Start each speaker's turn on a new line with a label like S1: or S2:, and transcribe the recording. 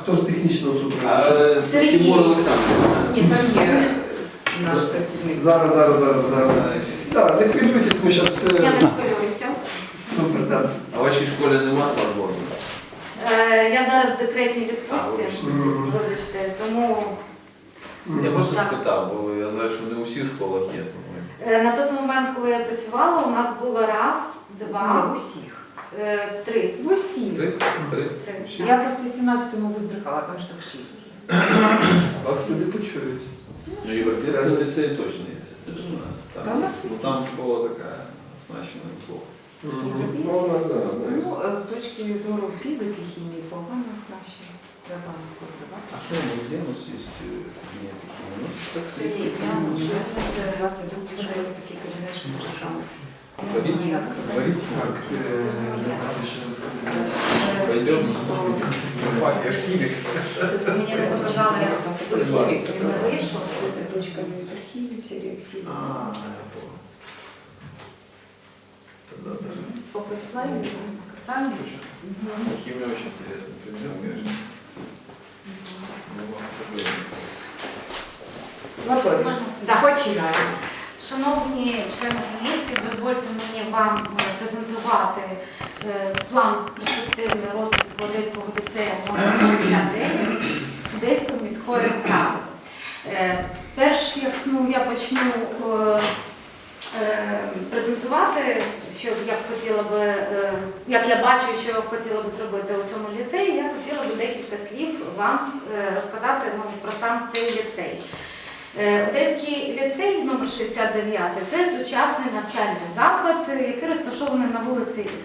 S1: хто з технічного супроводу?
S2: Сергій.
S3: Тимур Олександрович.
S2: Ні, там є наш працівник.
S1: Зараз. Так, не хвилюйтесь, ми зараз
S2: Я
S1: все...
S2: не хвилююся.
S1: Супер, так.
S3: А в вашій школі нема смартборду?
S2: Я зараз в декретній відпустці,
S1: Мгм.
S2: вибачте, тому
S3: Я просто
S2: Так.
S3: спитав, бо я знаю, що не у всіх школах є.
S2: на той момент, коли я працювала, у нас було раз, два,
S4: усіх.
S2: три.
S4: В усіх.
S3: Три?
S2: Три.
S4: Я просто в 17-му визбрехала, тому що так шість.
S1: Вас люди почують.
S3: Ну, Європейський ліцей точно є. Це ж у нас.
S4: Та у нас
S3: Ну,
S4: всі.
S3: там школа така оснащена неплохо.
S4: Ну, з точки зору фізики, хімії, погано оснащено. Треба подавати.
S3: А що у нас є? У нас є кабінети? У нас так
S4: Це є, я це 22 школі такий кабінет, що може там.
S3: Говоріть.
S4: Не відкривати.
S3: Говоріть.
S1: Так, ще раз сказати.
S3: Пойдем.
S1: Я ж хімік.
S2: Мені не показали архіві, він не вийшов.
S4: Це точками з архівів, всі реактиви.
S3: Я понял. Да.
S2: Пописла і накатання.
S3: Химия очень интересный предмет, конечно. Ну, вам проблема.
S4: Готові.
S2: Можна?
S4: Починаємо.
S2: Шановні члени комісії, дозвольте мені вам презентувати план перспективний розвитку Одеського ліцею номер 69 Одеської міської ради. Перш як я почну презентувати, що я б хотіла би, як я бачу, що я б хотіла би зробити у цьому ліцеї, я хотіла би декілька слів вам розказати про сам цей ліцей. Одеський ліцей номер 69 – це сучасний навчальний заклад, який розташований на вулиці